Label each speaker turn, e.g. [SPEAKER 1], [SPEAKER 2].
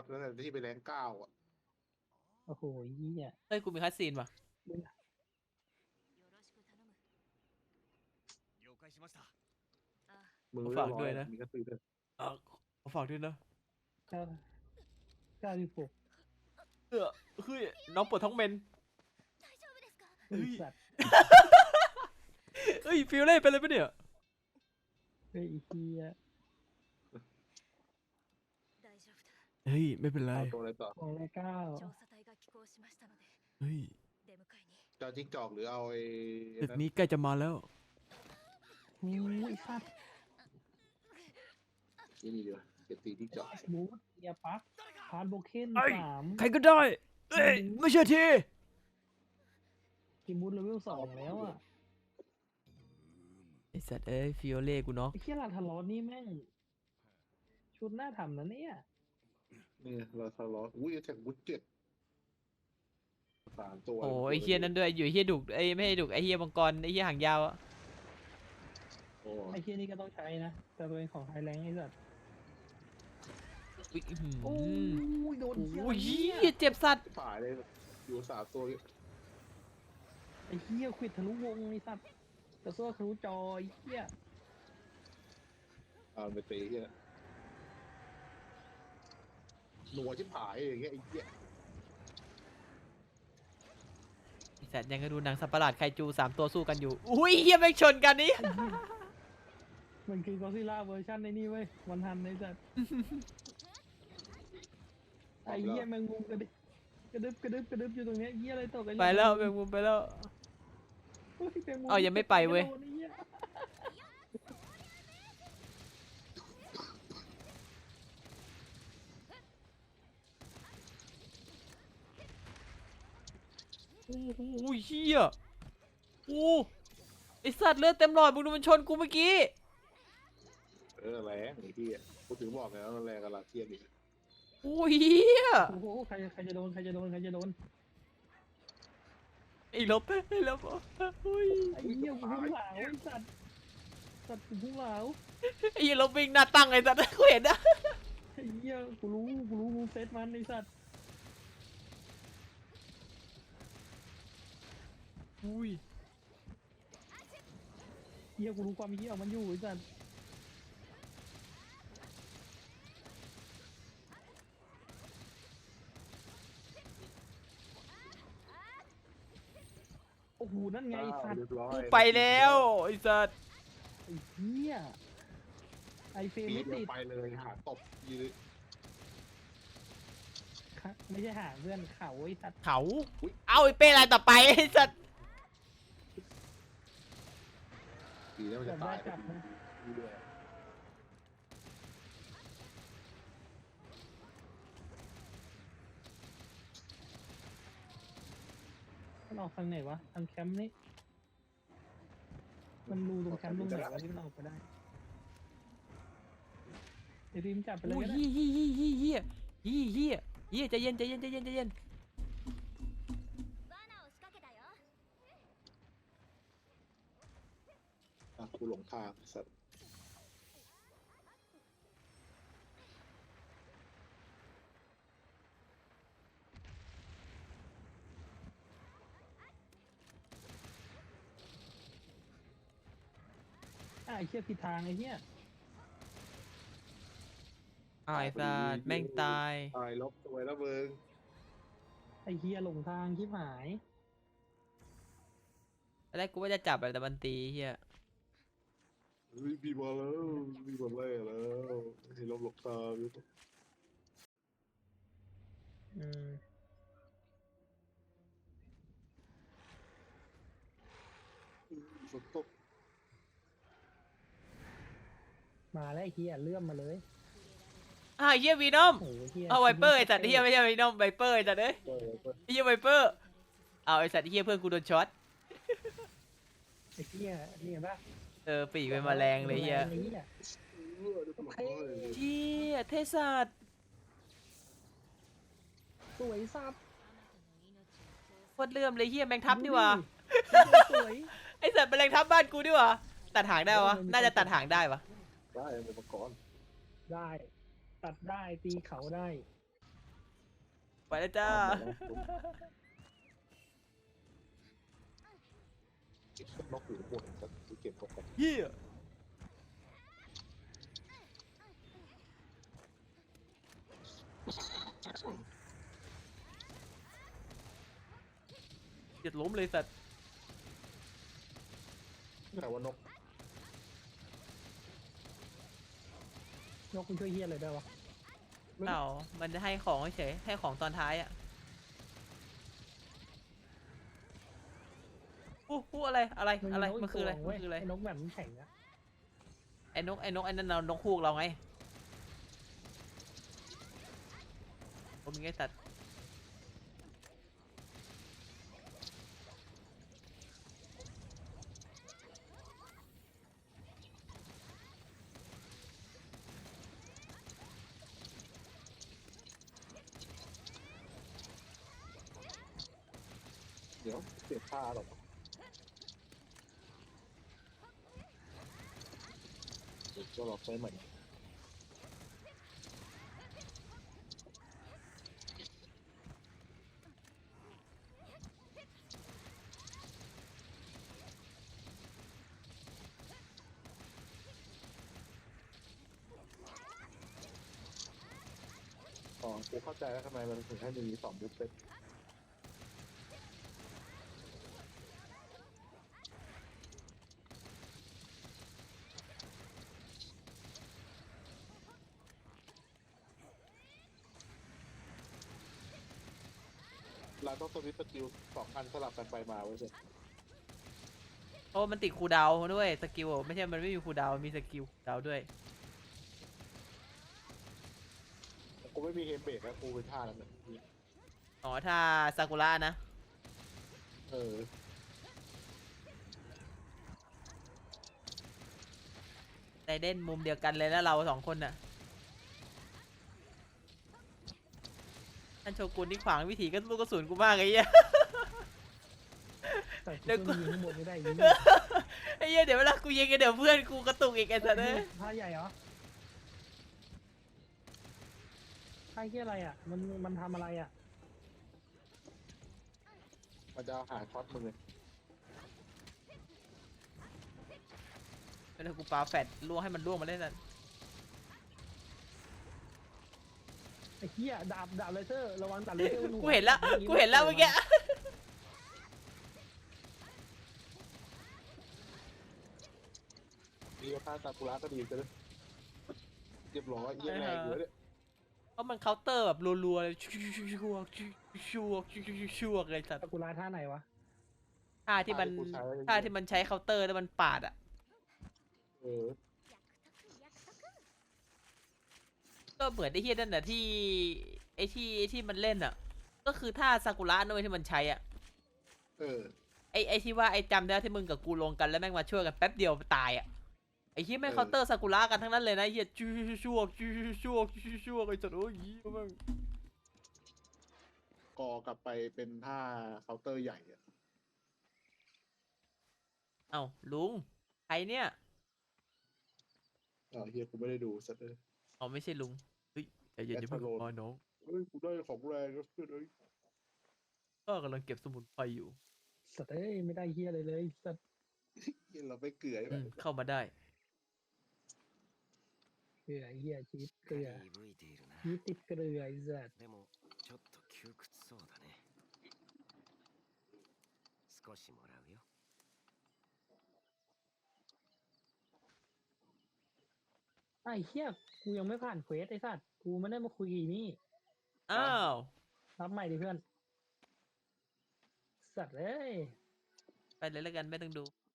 [SPEAKER 1] นั่นแหละที่ไปแรง9อ่ะ
[SPEAKER 2] โอ้โหเหี้ย
[SPEAKER 3] เฮ้ยกูมีคัสซีนว่ะ
[SPEAKER 1] มือ
[SPEAKER 3] ฝากด้วยนะ
[SPEAKER 1] มีกระตือรือ
[SPEAKER 3] ขอฝากด้วยนะ
[SPEAKER 2] 96
[SPEAKER 3] เฮ้ยน้องปวดท้องเมน
[SPEAKER 2] ไอ้สัตว์
[SPEAKER 3] เฮ้ยฟิลเล่เป็นอะไรปะเนี่ย
[SPEAKER 2] ไอ้เหี้ย
[SPEAKER 3] เฮ้ยไม่เป็นไร
[SPEAKER 1] เอาตัวอะไรต่อ
[SPEAKER 2] ของรายเก้า
[SPEAKER 3] เฮ้ย
[SPEAKER 1] จะเอาจิ้งจอกหรือเอาไอ้
[SPEAKER 3] ตึกนี้ใกล้จะมาแล้ว
[SPEAKER 2] โอ้ยไอ้สัตว์
[SPEAKER 1] นี่ดีกว่าจะตีจิ้งจอก
[SPEAKER 2] บูทเอียปักพาร์ทโบเคน
[SPEAKER 3] เอ้ย
[SPEAKER 2] 3
[SPEAKER 3] ใครก็ได้เอ้ยไม่เชื่อที
[SPEAKER 2] ทีมบูทเลเวล 2แล้วอ่ะ
[SPEAKER 3] ไอสัตว์เอ้ยฟิลเล่กูเนาะ
[SPEAKER 2] ไอ้เหี้ยลาทารอสนี่แม่ง ชุดหน้าทำนะเนี่ย
[SPEAKER 1] นี่เราทะเลาะอุ้ยแท็กบุ๊เจ็ต3 ตัว
[SPEAKER 3] โอ้ไอเฮียนั่นด้วยอยู่ไอเฮียดุกไอไม่ให้ดุกไอเฮียมังกรไอเฮียหางยาวอะ
[SPEAKER 1] โอ้
[SPEAKER 2] ไอ้เหี้ยนี่ก็ต้องใช้นะ แต่เป็นของไฮแรงไอ้สัตว์
[SPEAKER 3] อุ๊ยอื้อหือ
[SPEAKER 2] โอ้ยโดนเหี้ย
[SPEAKER 3] โอ้ย
[SPEAKER 2] อะไร
[SPEAKER 3] เฮี
[SPEAKER 2] เนี่ย
[SPEAKER 3] ยเจ็บสัตว์
[SPEAKER 1] ฝ่ายเลยอยู่3 ตัว
[SPEAKER 2] ไอ้เหี้ยควิดทะลุวงไอ้สัตว์กระโซ่ทะลุจอไอ้เหี้ย
[SPEAKER 1] เอาไปตีเหี้ยหนัวชิบหายอย่างเงี้ยไอ้เหี้ย
[SPEAKER 3] ไอสัตว์ยังก็ดูหนังสัตว์ประหลาดไคจู3 ตัวสู้กันอยู่อุ้ยเฮียไม่งชนกันนี่
[SPEAKER 2] มันคือกอซิล่าเวอร์ชันในนี่เว้ยวันทันไอ้สัตว์ ไอ้เหี้ยแมงมุมกระดึบอยู่ตรงเนี้ยเหี้ยอะไรตกกัน
[SPEAKER 3] ไปแล้วแมงมุมไปแล้ว
[SPEAKER 2] เฮ้ยแมงมุม
[SPEAKER 3] เอายังไม่ไปเว้ย
[SPEAKER 2] โดนไอ้หี้ย
[SPEAKER 3] โอ้โหเฮียโอ้ไอสัตว์เลือดเต็มหลอดมึงดูมันชนกูเมื่อกี้
[SPEAKER 1] แรงไอ้เหี้ยกูถึงบอกไงว่ามันแรงกับลาเทียนอีก
[SPEAKER 3] โอ้ยเฮีย
[SPEAKER 2] โอ้โหใครจะโดน
[SPEAKER 3] ไอ้ลบโอ้ย
[SPEAKER 2] ไอ้เหี้ยกูพุ่งเหลาไอ้สัตว์กูพุ่งเหลา
[SPEAKER 3] ไอ้เหี้ยลบวิ่งหน้าตั้งไอ้สัตว์กูเห็นนะ
[SPEAKER 2] ไอ้เหี้ยกูรู้กูเซตมันไอ้สัตว์
[SPEAKER 3] อุ้ย
[SPEAKER 2] เหี้ยกูรู้ความเหี้ยของมันอยู่ไอ้สัตว์โอ้โหนั่นไงไอ้สัตว์
[SPEAKER 1] เรียบร้อย
[SPEAKER 3] กูไปแล้วไอ้สัตว์
[SPEAKER 2] ไอ้เหี้ยไอเฟรม
[SPEAKER 1] ปี
[SPEAKER 2] ไม่
[SPEAKER 1] เดีย
[SPEAKER 2] ติ
[SPEAKER 1] ว
[SPEAKER 2] ด
[SPEAKER 1] ไปเลยหาตบยืน
[SPEAKER 2] ค่ะไม่ใช่หาเพื่อนเขาไอ้สัตว์
[SPEAKER 3] เขาเอาไอ้เป้อะไรต่อไปไอ้สัตว์
[SPEAKER 1] ปีแล้วมันจะตายดูด้วย
[SPEAKER 2] มันออกทางไหนวะทางแคมป์นี่มันรูตรงแคมป์ตรงไหนวะที่มันออกไปได้ไอ้ริมจับไปเลย
[SPEAKER 3] โอ้ย
[SPEAKER 2] ก็ได้
[SPEAKER 3] เฮียใจเย็นใจเย็น
[SPEAKER 1] กูหลงทางสัตว์
[SPEAKER 2] ไอ้เชี่ยผิดทางไอ้เหี้ย
[SPEAKER 3] อ้าวไอ้สัตว์แม่งตาย
[SPEAKER 1] ตายลบตัวแล้วมึง
[SPEAKER 2] ไอ้เหี้ยหลงทางชิบหาย
[SPEAKER 3] ตอนแรกกูว่าจะจับแต่มันตีเฮีย
[SPEAKER 1] มีบอลแล้วมีบอลแรกแล้วให้ลบหลบตาอยู่
[SPEAKER 2] อืม
[SPEAKER 1] ฝนตก
[SPEAKER 2] มาแล้วไอ้เหี้ยเลื่อมมาเลย
[SPEAKER 3] อ้าวเฮียวีนอม
[SPEAKER 2] โอ้โหเหี้ย
[SPEAKER 3] เอาไวเปอร์ไอ้สัตว์เฮียไม่ใช่วีนอมไวเปอร์ไอ้สัตว์เอ้ย
[SPEAKER 1] เออ
[SPEAKER 3] ไอ้เฮียไวเปอร์เอาไอ้สัตว์เฮียเพื่อนกูโดนช็อต
[SPEAKER 2] ไอ้เหี้ยนี่เห็นปะ
[SPEAKER 3] ปีกเป็นแมลงเลยเฮีย
[SPEAKER 2] ไอ้เหี้ย
[SPEAKER 3] เฮียเทสัตว์
[SPEAKER 2] สวยสับ
[SPEAKER 3] โคตรเลื่อมเลยเฮียแมงทับนี่หว่า
[SPEAKER 2] สวย
[SPEAKER 3] ไอสัตว์แมลงทับบ้านกูนี่หว่าตัดหางได้วะน่าจะตัดหางได้วะ
[SPEAKER 1] ได้เป็นมังกร
[SPEAKER 2] ได้ ตัดได้ตีเขาได้
[SPEAKER 3] ไปแล้วจ้า
[SPEAKER 1] นกอยู่ข้างบนก็เก็บนกกัน
[SPEAKER 3] เฮียเจ็ดล้มเลยสัตว์
[SPEAKER 1] นี่ไหนว่านก
[SPEAKER 2] นกคุณช่วยเฮียอะไรได้วะ
[SPEAKER 3] เปล่ามันจะให้ของเฉยให้ของตอนท้ายอ่ะอู้อะไรอะไรอะไรมันคืออะไรมันคืออะไร
[SPEAKER 2] ไอ้นกแบบมันแข็งอะ
[SPEAKER 3] ไอ้นกไอ้นั่นเรานกฮูกเราไงผมมีไงสัตว์
[SPEAKER 1] เดี๋ยวเปลี่ยนผ้าหรอกเดี๋ยวจะลองใช้ใหม่อ๋อกูเข้าใจแล้วทำไมมันถึงให้มี2 บุฟเฟตเราต้องสวิตช์สกิล2 อันสลับกันไปมาไว้เสร็จ
[SPEAKER 3] โอ้มันติดคูลดาวน์ด้วยสกิลไม่ใช่มันไม่มีคูลดาวน์มีสกิลดาวน์ด้วย
[SPEAKER 1] กูไม่มีเฮมเบรกแล้วกูเป็นท่าแล้วเนี่ย
[SPEAKER 3] อ๋อถ้าซากุระนะ
[SPEAKER 1] เออ
[SPEAKER 3] ไดเด่นมุมเดียวกันเลยแล้วเรา2 คนน่ะท่านโชกุนที่ขวางวิถีก็ลูกกระสุนกูมากไอ้เหี้ย
[SPEAKER 2] แต่
[SPEAKER 3] เดี๋ยวกู
[SPEAKER 2] กูยิงข้างบนไม่ได้ยิง
[SPEAKER 3] ไอ้เหี้ยเดี๋ยวเวลากูยิงกันเดี๋ยวเพื่อนกูกระตุกอีกไอ้สัสเอ้ย
[SPEAKER 2] ผ้าใหญ่เหรอผ้าเฮียอะไรอ่ะมันทำอะไรอ่ะ
[SPEAKER 1] มันจะหาช็อตมึงเลย
[SPEAKER 3] เวลากูปาแฟดล่วงให้มันล่วงมาเล่นนั่น
[SPEAKER 2] ไอ้เฮียดาบเลเซอร์ระวังดาบเลเซอร์
[SPEAKER 3] กูเห็นแล้วกูเห็นแล้วเมื่อกี้
[SPEAKER 1] มีผ้าซากุระก็ดีกันเลยเรียบร้อยเยี่ยแรงอยู่แล้วเนี่ย
[SPEAKER 3] เพราะมันเคาน์เตอร์แบบรัวๆเลยชัวร์เลยสัตว์
[SPEAKER 2] ซากุระท่าไหนวะ
[SPEAKER 3] ท่าที่มันใช้เคาน์เตอร์แล้วมันปาดอ่ะ
[SPEAKER 1] เออ
[SPEAKER 3] ก็เหมือนไอ้เฮียนั่นน่ะที่ไอ้ที่มันเล่นอ่ะ ก็คือท่าซากุระนั่นเว้ยที่มันใช้อ่ะ
[SPEAKER 1] เออ
[SPEAKER 3] ไอ้ที่ว่าไอ้จำได้ที่มึงกับกูลงกันแล้วแม่งมาช่วยกันแป๊บเดียวตายอ่ะไอ้ที่แม่งเคาน์เตอร์ซากุระกันทั้งนั้นเลยนะเฮียชัวร์ไอ้สัตว์โอ้ยแม่ง
[SPEAKER 1] กอกลับไปเป็นท่าเคาน์เตอร์ใหญ่อะ
[SPEAKER 3] เอ้าลุงใครเนี่ย
[SPEAKER 1] เฮียกูไม่ได้ดูสักเลย
[SPEAKER 3] อ๋อไม่ใช่ลุงเฮ้ยใจเย็นอย่าเพิ่งพอน้อง
[SPEAKER 1] เฮ้ยกูได้ของแรงแล้วเพื่อนเอ้ย
[SPEAKER 3] ก็กำลังเก็บสมุนไพรอยู่
[SPEAKER 2] สัตว์เอ้ยไม่ได้เฮียอะไรเลยสัตว์
[SPEAKER 1] เหี้ยเราไปเกลือ
[SPEAKER 3] เข้ามาได้
[SPEAKER 2] เกลือเฮียชีวิตเกลือ
[SPEAKER 4] 鈍いているな
[SPEAKER 2] ชีวิตติดเกลือไอ้สัตว์
[SPEAKER 4] でもちょっと窮屈そうだね少しもらうよ
[SPEAKER 2] ไอ้เฮียกูยังไม่ผ่านเควสไอ้สัตว์กูไม่ได้มาคุยกับนี่
[SPEAKER 3] อ้าว
[SPEAKER 2] รับใหม่ดิเพื่อนสัตว์เอ้ย
[SPEAKER 3] ไปเลยแล้วกันไม่ต้องดู